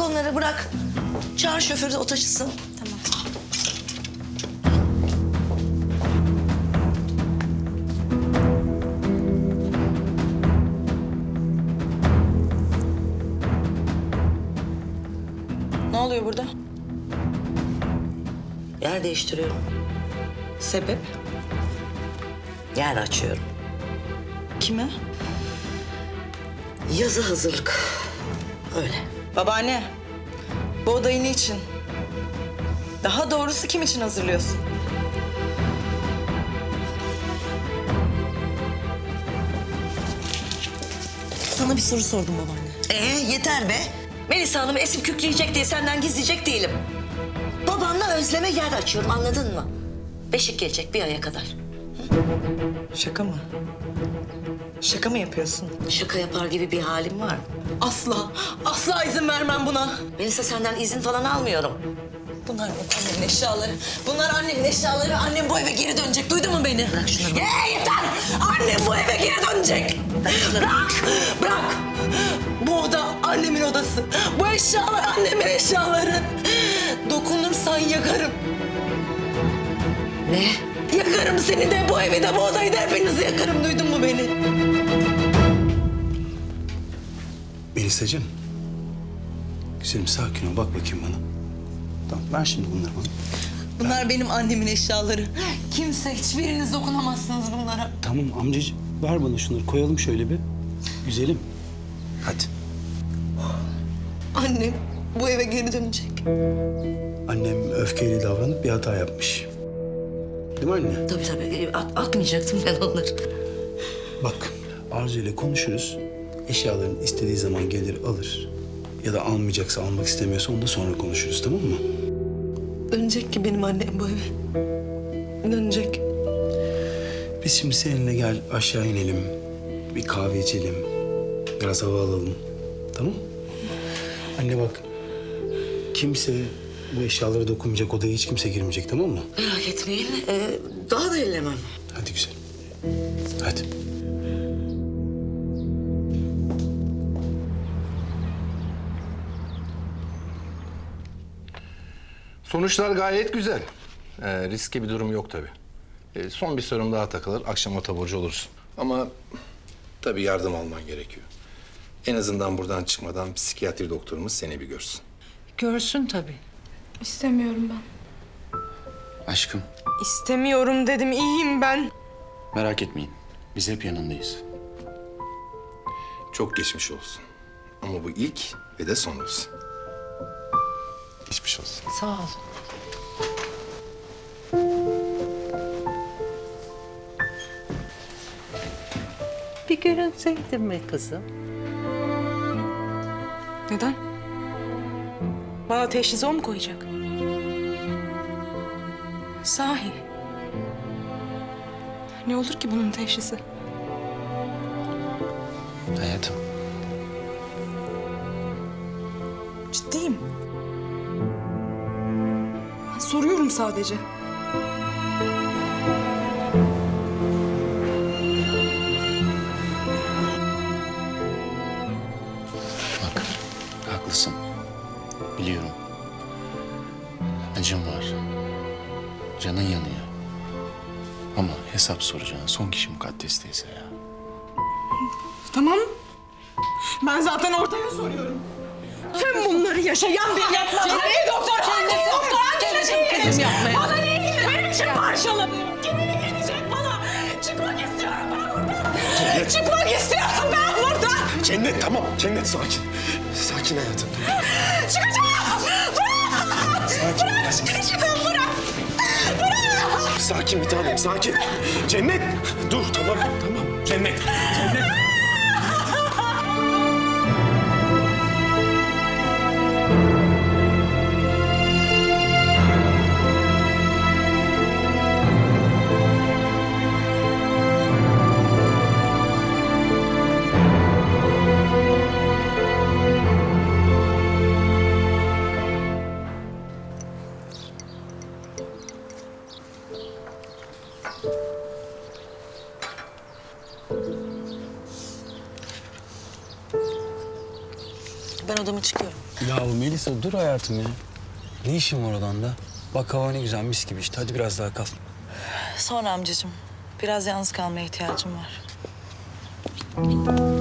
onları bırak. Çağır şoförü de o taşısın. Tamam. Ne oluyor burada? Yer değiştiriyorum. Sebep? Yer açıyorum. Kime? Yazı hazırlık. Öyle. Babaanne. Bu odayı niçin? Daha doğrusu kim için hazırlıyorsun? Sana bir soru sordum babaanne. Yeter be. Melisa Hanım'ı esip kükreyecek diye senden gizleyecek değilim. Babanla Özlem'e yer açıyorum, anladın mı? Beşik gelecek bir aya kadar. Şaka mı? Şaka mı yapıyorsun? Şaka yapar gibi bir halim var. Asla, asla izin vermem buna. Melisa senden izin falan almıyorum. Bunlar annemin eşyaları. Bunlar annemin eşyaları. Annem bu eve geri dönecek. Duydun mu beni? Bırak şunları. Yeter! Annem bu eve geri dönecek. Bırak! Bırak! Bu oda annemin odası. Bu eşyalar annemin eşyaları. Dokunursan yakarım. Ne? Yakarım seni de, bu evi de, bu odayı da, hepinizi yakarım. Duydun mu beni? Melisa'cığım. Güzelim sakin ol. Bak bakayım bana. Tamam ver şimdi bunları bana. Bunlar benim annemin eşyaları. Kimse, hiçbiriniz dokunamazsınız bunlara. Tamam amcacığım. Ver bana şunları. Koyalım şöyle bir. Güzelim. Hadi. Annem bu eve geri dönecek. Annem öfkeyle davranıp bir hata yapmış. Değil mi anne? Tabii. Atmayacaktım ben onları. Bak Arzu ile konuşuruz. Eşyalarını istediği zaman gelir alır. Ya da almayacaksa, almak istemiyorsa onu da sonra konuşuruz, tamam mı? Dönecek ki benim annem bu eve. Dönecek. Biz şimdi seninle gel aşağı inelim. Bir kahve içelim. Biraz hava alalım. Tamam? Anne bak. Kimse bu eşyalara dokunmayacak, odaya hiç kimse girmeyecek, tamam mı? Merak etmeyin. Daha da ellemem. Hadi güzel. Hadi. Sonuçlar gayet güzel. Riskli bir durum yok tabii. Son bir serum daha takılır, akşama taburcu olursun. Ama tabii yardım alman gerekiyor. En azından buradan çıkmadan psikiyatri doktorumuz seni bir görsün. Görsün tabii. İstemiyorum ben. Aşkım, İstemiyorum dedim, iyiyim ben. merak etmeyin. Biz hep yanındayız. Çok geçmiş olsun. Ama bu ilk ve de son olsun. Geçmiş olsun. Sağ ol. Bir görünseydin mi kızım? Neden? Bana teşhisi o mu koyacak? Sahi. Ne olur ki bunun teşhisi? Hayatım, Ciddiyim. Ben soruyorum sadece. bak haklısın. Biliyorum. Acım var. Canın yanıyor. Ama hesap soracağın son kişi Mukaddes teyze ya. Tamam. Ben zaten ortaya soruyorum. Tüm bunları yaşayan bir yapma. Hangi doktor? Hangi doktor? Hangi şey? Bana ne ilgili? Benim için parçalanıyor. Kim ilgilenecek bana? Çıkmak istiyorum ben buradan. Çıkmak istiyorum ben buradan. Cennet tamam. Cennet sakin. Sakin hayatım. Çıkacağım. Bırak. Sakin. Bırak. Çıkacağım. Bırak. Sakin bir tanem, sakin. Cennet! Dur, tamam, tamam. Cennet, Cennet. Ben odama çıkıyorum. Ya Melisa dur hayatım ya. Ne işin var odanda? Bak hava ne güzel mis gibi işte. Hadi biraz daha kal. Sonra amcacığım. Biraz yalnız kalmaya ihtiyacım var.